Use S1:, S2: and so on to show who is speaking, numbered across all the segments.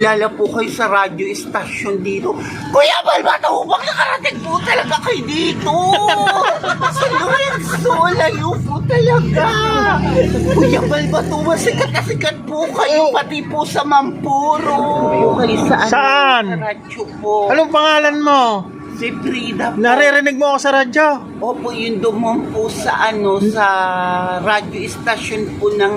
S1: Lala po kayo sa radyo istasyon dito. Kuya Balbato, huwag nakarating po talaga kayo dito. Sa Lorenzo, layo po talaga. Kuya Balbato, sikat na sikat po kayo, pati po sa Mampuro. Kayo
S2: Saan?
S1: Sa radyo po.
S2: Anong pangalan mo?
S1: Si Frida po.
S2: Naririnig mo ako sa radyo?
S1: Opo, yung dumon po sa sa radyo istasyon po ng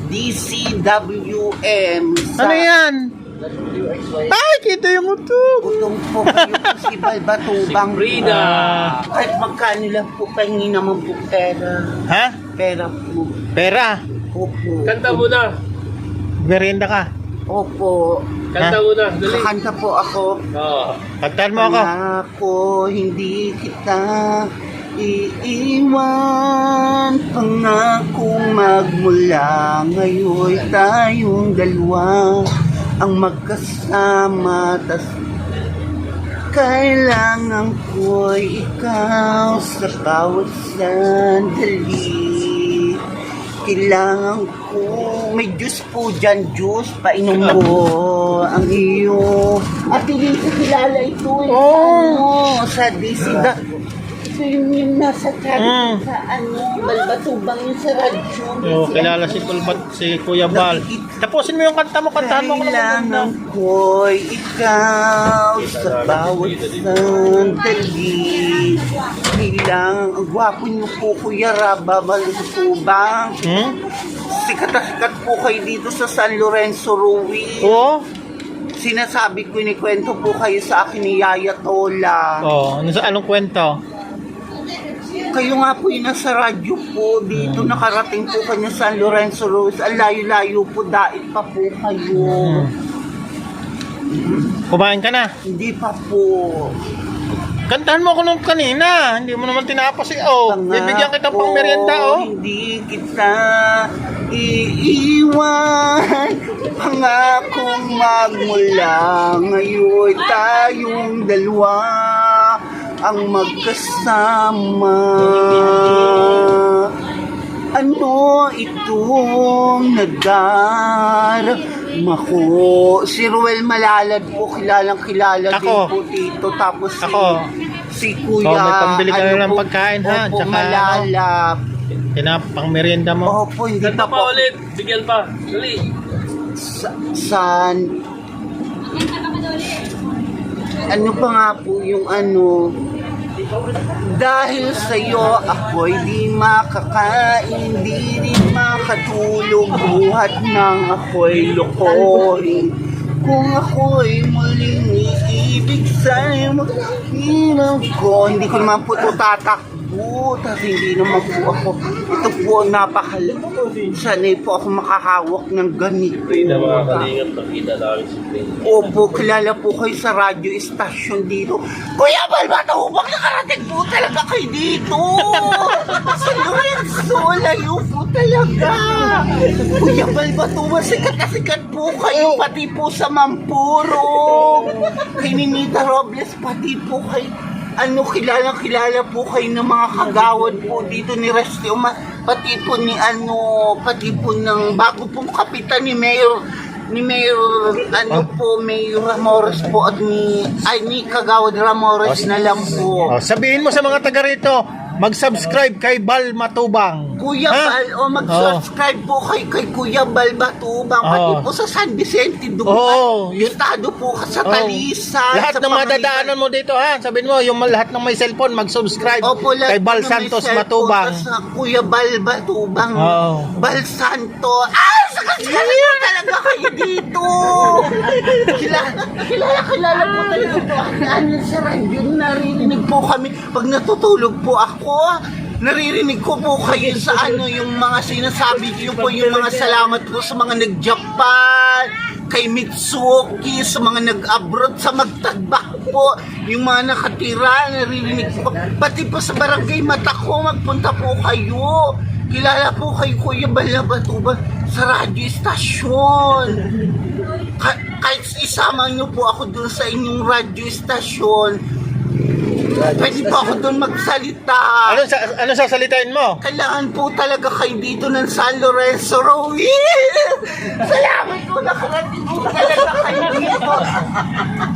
S1: DCWM.
S2: Ano yan? Ay, kita yung utog.
S1: Utong po kayo po si Balbatubang.
S3: Si Frida.
S1: Kahit magkano lang po, pahingi naman po pera.
S2: Ha?
S1: Pera po.
S2: Pera?
S1: Opo.
S3: Kanta mo na.
S2: Merienda ka?
S1: Opo.
S3: Kanta mo na. Dali.
S1: Kakanta po ako.
S3: Oo.
S2: Kantahan mo ako.
S1: Ako, hindi kita iiwan. Pangakong magmula ngayon tayong dalawa ang magkasama. Tas kailangan ko'y ikaw sa bawat sandali. Kailangan ko, may juice po dyan, juice, painom mo ang iyo. At hindi ko kilala ito sa DCda. Ito yung nasa sa Balbatubang yung sa radyo.
S2: Oh, kilala si Kuya Bal. Tapusin mo yung kanta mo, kantahan mo ako ng
S1: Kailangan ko'y ikaw sa bawat sandali. Kailangan, ang gwapo niyo po, Kuya Raba Balbatubang. Sikat na sikat po kayo dito sa San Lorenzo, Ruiz.
S2: Oo?
S1: Sinasabi ko, inikwento po kayo sa akin ni Yaya Tola.
S2: Oh, anong kwento?
S1: Kayo nga po yung nasa radyo po dito, nakarating po kanya San Lorenzo, Ruiz. Ang layo-layo po, dait pa po kayo.
S2: Kumain ka na?
S1: Hindi pa po.
S2: Kantahan mo ako nung kanina. Hindi mo naman tinapos eh. Oh, bibigyan kita pang merienda oh.
S1: Hindi kita iiwan. Pangakong magmula ngayon tayong dalawa ang magkasama. Ano itong nadarama ko? Si Ruel Malalad po, kilalang kilala din po dito. Tapos si Kuya,
S2: may pambili ka na ng pagkain ha.
S1: Opo,
S2: Tsaka
S1: Malalap.
S2: pang merienda mo.
S1: Opo, hindi
S3: Kanta
S1: pa
S3: pa
S1: po.
S3: ulit. Bigyan pa. Dali.
S1: Ano pa nga po yung dahil sa'yo ako'y di makakain, di rin makatulog, buhat ng ako'y lokohin. Kung ako'y muling iibig sa'yo, maghinang ko. Hindi ko naman po ito tatakbo, kasi hindi naman po ako. Ito po ang napakalaga. Sanay po ako makahawak ng ganito.
S3: Frida, mga kalingap. Nakita namin si Frida.
S1: Opo, kilala po kayo sa radyo istasyon dito. Kuya Balbato, huwag nakarating po talaga kayo dito. Sa Lorenzo, layo po talaga. Kuya Balbato, sikat na sikat po kayo, pati po sa Mampuro. Kay Ninita Robles, pati po kayo. Kilala po kayo ng mga kagawad po dito ni Resti pati po ni pati po ng bago pong kapitan ni Mayor Mayor Ramores po at ni Kagawad Ramores na lang po.
S2: Oh, sabihin mo sa mga taga rito, mag-subscribe kay Bal Matubang.
S1: Kuya Bal, mag-subscribe po kay Kuya Bal Matubang, pati po sa San Vicente doon. Yung estado po sa Talisan.
S2: Lahat ng madadaanan mo dito ha, sabihin mo, yung lahat ng may cellphone, mag-subscribe kay Bal Santos Matubang.
S1: Sa Kuya Bal Matubang. Bal Santos. Sakit talaga kayo dito. Kilala po talaga po. Sa radyo, naririnig po kami. Pag natutulog po ako, naririnig ko po kayo sa yung mga sinasabi niyo po, yung mga salamat po sa mga nag-Japan, kay Mitsuki, sa mga nag-abroad, sa magtagbak po, yung mga nakatira, naririnig po. Pati po sa barangay Matako, magpunta po kayo. Kilala po kay Kuya Balabatuba sa radyo istasyon. Kahit isama niyo po ako dun sa inyong radyo istasyon, pwede po ako doon magsalita.
S2: Ano sasalitain mo?
S1: Kailangan po talaga kayo dito ng San Lorenzo, Ruiz. Salamat po, nakarating po talaga kayo dito.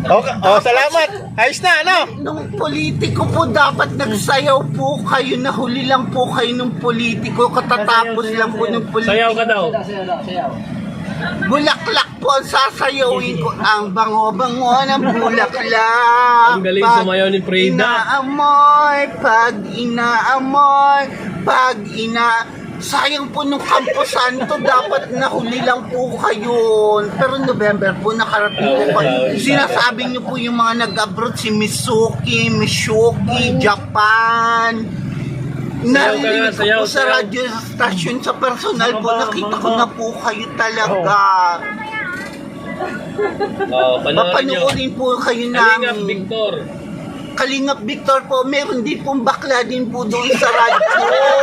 S2: Okay. Oh, salamat. Ayos na, ano?
S1: Nung politiko po, dapat nagsayaw po kayo. Nahuli lang po kayo nung politiko. Katatapos lang po ng
S3: Sayaw ka
S1: politiko.
S3: daw.
S1: Bulaklak po ang sasayawin ko. Ang bango-bango ng bulaklak.
S3: Ang galing
S1: Pag
S3: sumayaw ni Frida.
S1: Sayang po nung Campo Santo, dapat nahuli lang po kayo. Pero November po, nakarating po kayo. Sinasabi niyo po yung mga nag-abroad, si Misuki, Japan. Narinig ko
S3: sayaw,
S1: po sa
S3: sayaw.
S1: radio station, sa personal po, nakita ko na po kayo talaga.
S3: Oh, panoorin nyo.
S1: Mapanoorin po kayo
S3: Kalingap
S1: namin.
S3: Victor.
S1: Kalingap Victor po, meron din pong bakla din po doon sa radyo.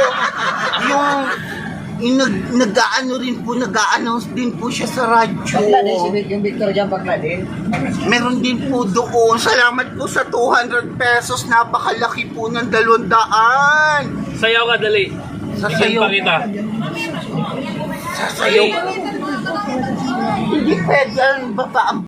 S1: yung nag-aano rin po, nag-a-announce din po siya sa radyo.
S4: Yung Victor dyan, bakla din.
S1: Meron din po doon. Salamat po sa 200 pesos. Napakalaki po ng 200.
S3: Sayaw ka, dali.
S1: Sasayaw.
S3: Bigyan pa kita.
S1: Sasayaw. Hindi pwede, ano ba pa ang